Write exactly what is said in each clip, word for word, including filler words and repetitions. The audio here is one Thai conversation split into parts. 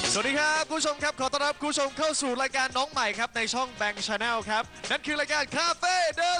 สวัสดีครับคุณผู้ชมครับขอต้อนรับคุณผู้ชมเข้าสู่รายการน้องใหม่ครับในช่อง Bang Channel ครับนั่นคือรายการ Cafe The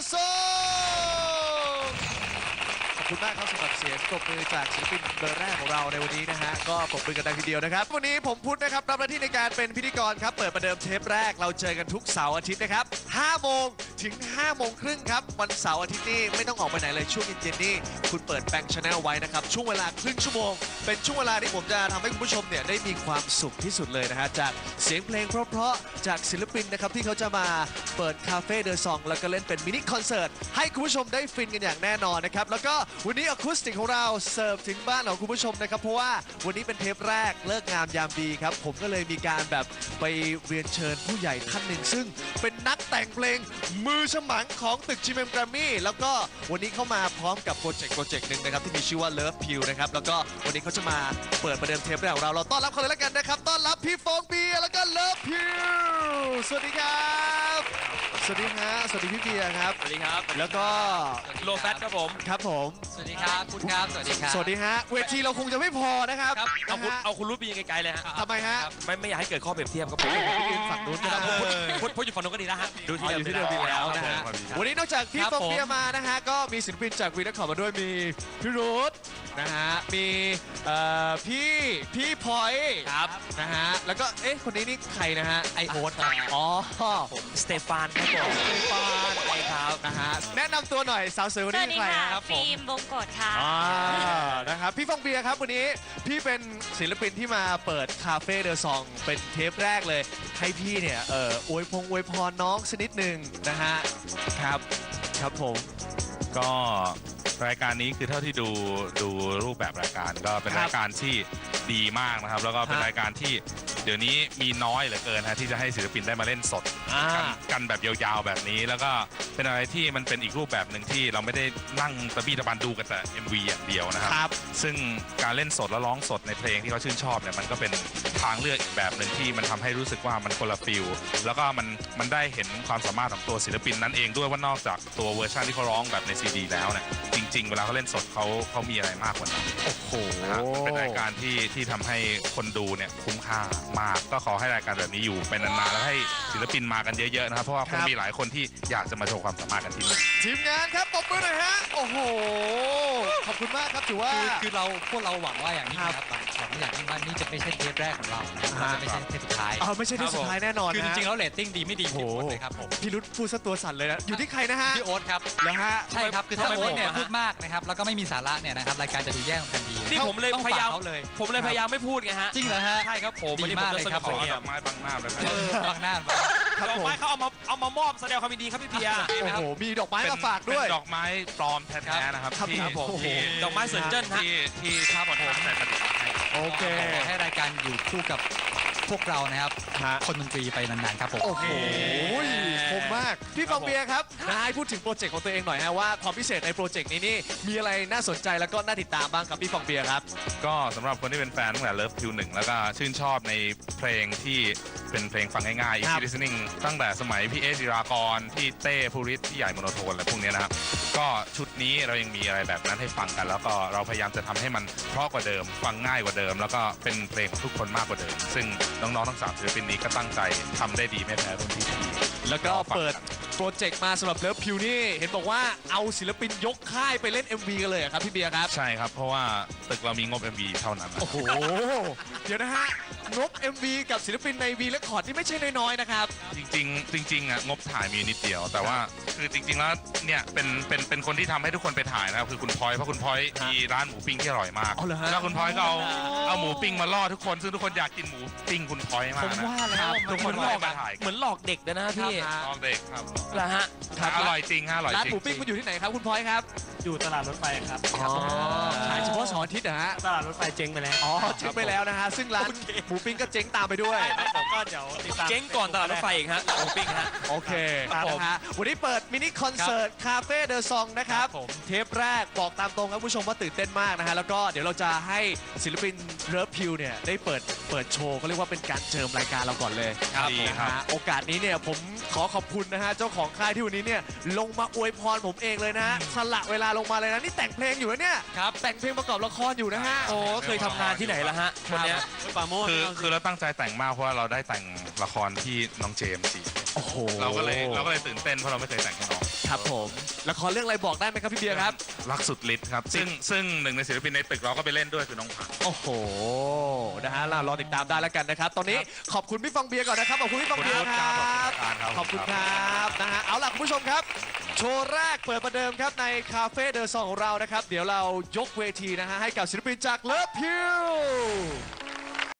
Song ขอบคุณมากครับสำหรับเสียงปรบมือจากศิลปินเบอร์แรกของเราในวันนี้นะฮะก็ปรบมือกันดังทีเดียวนะครับวันนี้ผมพุทธนะครับรับหน้าที่ในการเป็นพิธีกรครับเปิดประเดิมเทปแรกเราเจอกันทุกเสาร์อาทิตย์นะครับห้าโมงถึงห้าโมงครึ่งครับวันเสาร์อาทิตย์นี้ไม่ต้องออกไปไหนเลยช่วงเย็นๆนี่คุณเปิด Bang Channel ไว้นะครับช่วงเวลาครึ่งชั่วโมงเป็นช่วงเวลาที่ผมจะทำให้คุณผู้ชมเนี่ยได้มีความสุขที่สุดเลยนะฮะจากเสียงเพลงเพราะๆจากศิลปินนะครับที่เขาจะมาเปิดคาเฟ่เดอะซองแล้วก็เล่นเป็นมินิคอนเสิร์ตให้คุณผู้ชมได้ฟินกันอย่างแน่นอนนะครับแล้วก็วันนี้อะคูสติกของเราเสิร์ฟถึงบ้านของคุณผู้ชมนะครับเพราะว่าวันนี้เป็นเทปแรกเลิกงามยามดีครับผมก็เลยมีการแบบไปเรียนเชิญผู้ใหญ่ท่านหนึ่งซึ่งเป็นนักแต่งเพลงมือฉมังของตึก จี เอ็ม Grammy แล้วก็วันนี้เข้ามาพร้อมกับโปรเจกต์โปรเจกต์หนึ่งนะครับที่มีชื่อว่า Love Pill นะครับแล้วก็วันนี้เขาจะมาเปิดประเดิมเทปแรกของเราเราต้อนรับเขาเลยแล้วกันนะครับต้อนรับพี่ฟองเบียร์แล้วก็ Love Pill สวัสดีครับสวัสดีฮะสวัสดีพี่เบียร์ครับสวัสดีครับแล้วก็โลแฟตครับผมครับผมสวัสดีครับคุณครับสวัสดีครับสวัสดีฮะเวทีเราคงจะไม่พอนะครับครับเอาคุณนะฮะเอาคุณรู้ไปยังไกลๆเลยฮะทำไมฮะไม่ไม่อยากให้เกิดข้อเปรียบเทียบครับผมไปยืนฝั่งนู้นก็ได้พูดพูดอยู่ฝั่งนู้นก็ดีนะฮะดูอ๋ออยู่ที่เดิมดีแล้วนะฮะวันนี้นอกจากพี่ฟองเบียร์มานะฮะก็มีศิลปินจากวีนักข่าวมาด้วยมีพี่รุธนะฮะมีเอ่อพี่พี่พลอยครับนะฮะแล้วก็เอ๊ะคนนี้นี่ใครนะฮะไอโอ๊ตครับอ๋อผมสเตฟานครับผมสเตฟานใช่ครับนะฮะแนะนำตัวหน่อยสาวสวยคนสนี้วัสดีใครค่ะครับผมฟิล์มวงกฎค่ะอ่านะครับพี่ฟองเบียร์ครับวันนี้พี่เป็นศิลปินที่มาเปิดคาเฟ่เดอะซองเป็นเทปแรกเลยให้พี่เนี่ยเอออวยพงอวยพรน้องสักนิดหนึ่งนะฮะครับครับผมก็รายการนี้คือเท่าที่ดูดูรูปแบบรายการก็เป็นครับรายการที่ดีมากนะครับ แล้วก็เป็นฮะรายการที่เดี๋ยวนี้มีน้อยเหลือเกินฮะที่จะให้ศิลปินได้มาเล่นสดอ่ากันกันแบบยาวๆแบบนี้ แล้วก็เป็นอะไรที่มันเป็นอีกรูปแบบหนึ่งที่เราไม่ได้นั่งตะบี้ตะบันดูกันแต่ เอ็ม วี อย่างเดียวนะครับครับซึ่งการเล่นสดและร้องสดในเพลงที่เขาชื่นชอบเนี่ยมันก็เป็นทางเลือกอีกแบบหนึ่งที่มันทำให้รู้สึกว่ามันคนละฟิลแล้วก็มันมันได้เห็นความสามารถของตัวศิลปินนั้นเองด้วยว่านอกจากตัวเวอร์ชันที่เขาร้องแบบในซีดีแล้วเนี่ยจริง ๆ เวลาเขาเล่นสดเขาเขามีอะไรมากกว่านั้นโอ้โหนะฮะเป็นรายการที่ที่ทำให้คนดูเนี่ยคุ้มค่ามากก็ขอให้รายการแบบนี้อยู่เป็นนานๆแล้วให้ศิลปินมากันเยอะๆนะครับเพราะว่าคงมีหลายคนที่อยากจะมาโชว์ความสามารถกันที่นี่ทีมงานครับปรบมือหน่อยฮะโอ้โหขอบคุณมากครับถือว่าคือคือเราพวกเราหวังว่าอย่างนี้ครันะบครับหวังอย่างยิ่งว่านี่จะไม่ใช่เทปแรกของเรานะฮะจะไม่ใช่เทปสุดท้ายเออไม่ใช่ที่สุดท้ายแน่นอนคือจนะริงๆแล้วเรตติ้งดีไม่ดีโอ้โหที่โอ๊ตเลยครับผมพี่รุธพูดซะตัวสั่นเลยนะอยู่ที่ใครนะฮะพี่โอ๊ตครับแล้วฮะใช่ครับคือถ้าทำไมโอ๊ตเนี่ยผมอะพูดมากนะครับแล้วก็ไม่มีสาระเนี่ยนะครับรายการจะดูแย่ลงทันทีนี่ผมเลยต้องพยายามฝกเขาเลยผมเลยพยายามไม่พูดไงฮะจริงเหรอฮะใช่ครับผมดีวันนี้ผมมากจะเลยสงครับบขอเงียดอบ กไม้บังหน้าเลยนะเออบางหน้าครับดอกผมไม้เขาเอามาเอามามอบแสดงความยินดีครับพี่เบียร์โอ้โหมีดอกไม้มาฝากด้วยเป็นดอกไม้ปลอมแท้ๆนะครับครับที่ครับผมที่ดอกไม้เซินเจิ้นฮะที่ที่ที่คนทำแต่ประดิษฐ์ให้โอเคขอให้รายการอยู่คู่กับพวกเรานะครับฮะคนดนตรีไปนานๆครับผมโอ้โหคมมาก พี่ฟองเบียร์ครับนะให้พูดถึงโปรเจกต์ของตัวเองหน่อยฮะว่าความพิเศษในโปรเจกต์นี้นี่มีอะไรน่าสนใจแล้วก็น่าติดตามบ้างครับพี่ฟองเบียร์ครับก็สำหรับคนที่เป็นแฟนตั้งแต่ Love Pill หนึ่งแล้วก็ชื่นชอบในเพลงที่เป็นเพลงฟังง่ายๆครับ easy listening ตั้งแต่สมัยพี่เอจิรากรพี่เต้ภูริศพี่ใหญ่โมโนโทนอะไรพวกเนี้ยนะครับ ก็ชุดนี้เรายังมีอะไรแบบนั้นให้ฟังกัน แล้วก็เราพยายามจะทำให้มันเพราะกว่าเดิม ฟังง่ายกว่าเดิม แล้วก็เป็นเพลงของทุกคนมากกว่าเดิม ซึ่งน้องๆทั้งสามศิลปินนี้ก็ตั้งใจทำได้ดีไม่แพ้รุ่นพี่ๆแล้วก็เปิดโปรเจกต์มาสำหรับเลิฟพิวนี่เห็นบอกว่าเอาศิลปินยกค่ายไปเล่น เอ็ม วี กันเลยเหรอครับพี่เบียร์ครับใช่ครับ เพราะว่าตึกเรามีงบ เอ็ม วี เท่านั้นนะโอ้โห เดี๋ยวนะฮะ งบ เอ็ม วี กับศิลปินใน V Record ที่ไม่ใช่น้อยๆนะครับจริงๆจริงๆอ่ะงบถ่ายมีนิดเดียว แต่ว่าคือจริงๆแล้วเนี่ยเป็นเป็นเป็นคนที่ทำให้ทุกคนไปถ่ายนะครับคือคุณพลอยเพราะคุณพลอยมีร้านหมูปิ้งที่อร่อยมากอ๋อเหรอฮะแล้วคุณพลอยก็เอาเอาหมูปิ้งมาล่อทุกคนซึ่งทุกคนอยากกินหมูปิ้งคุณพลอยมากผมนะว่าแล้วทุกคนเหมือนหลอกมาถ่ายเหมือนหลอกเด็กเลยนะพี่ครับลองเด็กครับเหรอฮะครับอร่อยจริงฮะอร่อยร้านจริงหมูปิ้งมันอยู่ที่ไหนครับคุณพลอยครับอยู่ตลาดรถไฟครับอ๋อขายเฉพาะเสาร์อาทิตย์นะฮะตลาดรถไฟเจ๊งไปแล้วอ๋อเจ๊งไปแล้วนะฮะ ซึ่งร้านหมูปิ้งก็เจ๊งตามไปด้วยผมก็เดี๋ยวติดตามเจ๊งก่อนตลาดรถไฟอีกฮะหมูปิ้งฮะโอเคครับผมนะฮะวันนี้เปิดมินิคอนเสิร์ตคาเฟ่เดอะซองนะครับครับผมเทปแรกบอกตามตรงครับคุณผู้ชมว่าตื่นเต้นมากนะฮะ แล้วก็เดี๋ยวเราจะให้ศิลปินเลิฟพิวเนี่ยได้เปิดเปิดโชว์เขาเรียกว่าเป็นการเจิมรายการเราก่อนเลยครับดีครับนะฮะโอกาสนี้เนี่ยผมขอขอบคุณนะฮะเจ้าของของค่ายที่วันนี้เนี่ยลงมาอวยพรผมเองเลยนะ สละเวลาลงมาเลยนะ นี่แต่งเพลงอยู่นะเนี่ยครับแต่งเพลงประกอบละครอยู่นะฮะโอ้เคยทำงานที่ไหนละฮะคนเนี้ยปราโมทคือคือเราตั้งใจแต่งมากเพราะว่าเราได้แต่งละครที่น้องเจมส์จีโอ้โหเราก็เลยเราก็เลยตื่นเต้นเพราะเราไม่เคยแต่งให้น้องครับผมละครเรื่องอะไรบอกได้ไหมครับพี่เบียร์ครับรักสุดฤทธิ์ครับซึ่งซึ่งหนึ่งในศิลปินในตึกเราก็ไปเล่นด้วยคือน้องผักโอ้โห นะฮะเรารอติดตามได้แล้วกันนะครับ ตอนนี้ขอบคุณพี่ฟองเบียร์ก่อนนะครับ ขอบคุณพี่ฟองเบียร์ครับ ขอบคุณครับ นะฮะ เอาล่ะคุณผู้ชมครับ โชว์แรกเปิดประเดิมครับในคาเฟ่เดอะซองของเรานะครับ เดี๋ยวเรายกเวทีนะฮะให้กับศิลปินจากเลิฟพิว